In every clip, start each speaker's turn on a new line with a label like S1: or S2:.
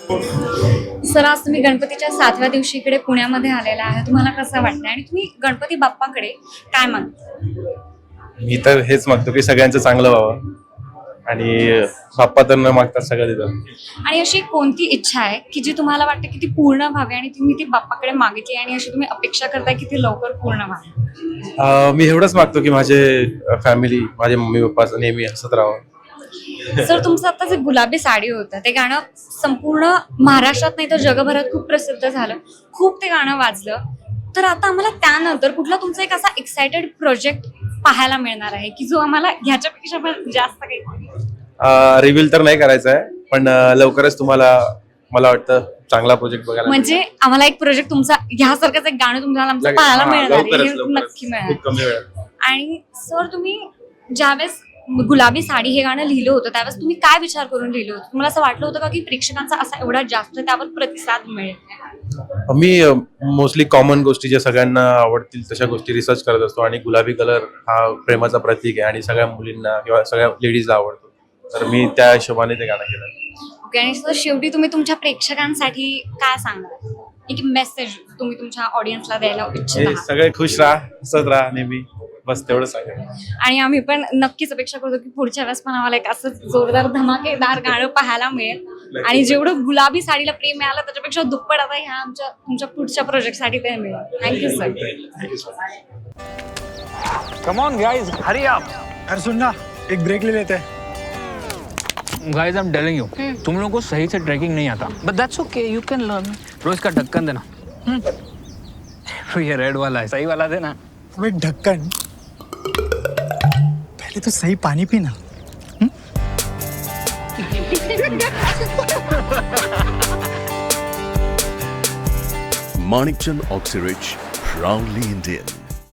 S1: Sir, आज तुम्ही गणपतीच्या 7व्या दिवशी इकडे पुण्यामध्ये आलेला आहे. तुम्हाला कसं वाटतंय आणि तुम्ही गणपती बाप्पाकडे काय मागता?
S2: मी तर हेच मागतो की सगळ्यांचं चांगलं व्हावं आणि बाप्पा तर न मागता सगळं देतात.
S1: आणि अशी कोणती इच्छा आहे की जी तुम्हाला वाटते की ती पूर्ण व्हावी आणि तुम्ही ती बाप्पाकडे मागितली आणि अशी तुम्ही अपेक्षा करताय की ती लवकर पूर्ण व्हावी?
S2: मी एवढंच मागतो की माझे फॅमिली, माझे मम्मी पप्पा नेहमी हसत राहावं.
S1: सर, तुमचं आता जे गुलाबी साडी होतं ते गाणं संपूर्ण महाराष्ट्रात नाही तर जगभरात खूप प्रसिद्ध झालं, खूप ते गाणं वाजलं. तर आता आम्हाला त्यानंतर कुठला तुमचा एक असा एक्सायटेड प्रोजेक्ट पाहायला मिळणार आहे की जो आम्हाला ह्याच्यापेक्षा पण जास्त काही
S2: रिव्हील तर नाही करायचं आहे, पण लवकरच तुम्हाला मला वाटतं चांगला प्रोजेक्ट बघायला
S1: म्हणजे आम्हाला एक प्रोजेक्ट तुमचा ह्यासारखंच एक गाणं तुम्हाला आमचं पाहायला मिळणार आहे, हे नक्की मिळणार.
S2: खूप कमी वेळात.
S1: आणि सर, तुम्ही ज्यावेळेस गुलाबी साडी हे गाणं लिहिलं होतं त्यावेळेस तुम्ही काय विचार करून लिहिलं होतं? तुम्हाला असं वाटलं होतं का की प्रेक्षकांचा असा एवढा जास्त त्यावर प्रतिसाद मिळेल?
S2: मी मोस्टली कॉमन गोष्टी ज्या सगळ्यांना आवडतील तशा गोष्टी रिसर्च करत असतो आणि गुलाबी कलर हा प्रेमाचा प्रतीक आहे आणि सगळ्या मुलींना किंवा सगळ्या लेडीजला आवडतो, तर मी त्या हिशोबाने ते गाणं केलं.
S1: ओके. आणि सर, शेवटी तुम्ही तुमच्या प्रेक्षकांसाठी काय सांगणार, एक मेसेज तुम्ही तुमच्या ऑडियन्सला द्यायला इच्छित आहात?
S2: सगळे खुश राहा, हसत राहा नेहमी, बस तेवढं सांगेल.
S1: आणि आम्ही पण नक्कीच अपेक्षा करतो की पुढच्या वेळेस पण आम्हाला एक असं जोरदार धमाकेदार गाणं पाहायला मिळेल आणि जेवढं गुलाबी साडीला प्रेम मिळालं त्याच्यापेक्षा दुप्पट आता ह्या तुमच्या पुढच्या प्रोजेक्टसाठी ते मिळेल. Thank you sir.
S3: Come on guys, hurry up.
S4: अरे सुन ना, एक ब्रेक ले लेते हैं.
S3: Guys, I am telling you, तुम लोगों को सही से ट्रैकिंग नहीं आता, but that's okay, you can learn. रोज का ढक्कन देना. तो ये रेड वाला है, सही वाला देना.
S4: अबे ढक्कन, पहले तो सही पानी पीना.
S5: Manikchand Oxyrich, proudly Indian.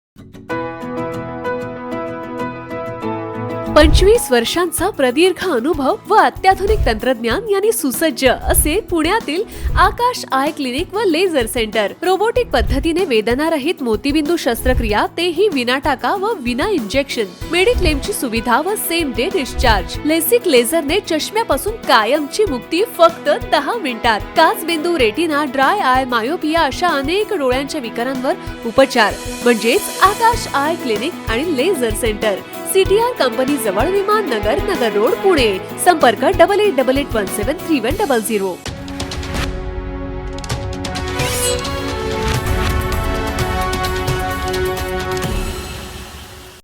S6: 25 वर्षांचा प्रदीर्घ अनुभव व अत्याधुनिक तंत्रज्ञान यांनी सुसज्ज असे पुण्यातील आकाश आय क्लिनिक व लेझर सेंटर. रोबोटिक पद्धतीने वेदनारहित मोतीबिंदू शस्त्रक्रिया, तेही विना टाका व विना इंजेक्शन. मेडिक्लेमची सुविधा व सेम डे डिस्चार्ज. लेसिक लेझरने चष्म्यापासून कायमची मुक्ती फक्त 10 मिनिटात. काचबिंदू, रेटिना, ड्राय आय, मायोपिया अशा अनेक डोळ्यांच्या विकारांवर उपचार म्हणजेच आकाश आय क्लिनिक आणि लेझर सेंटर. CTR कंपनी जवळ, विमान नगर, नगर रोड, पुणे. संपर्क 8888173100.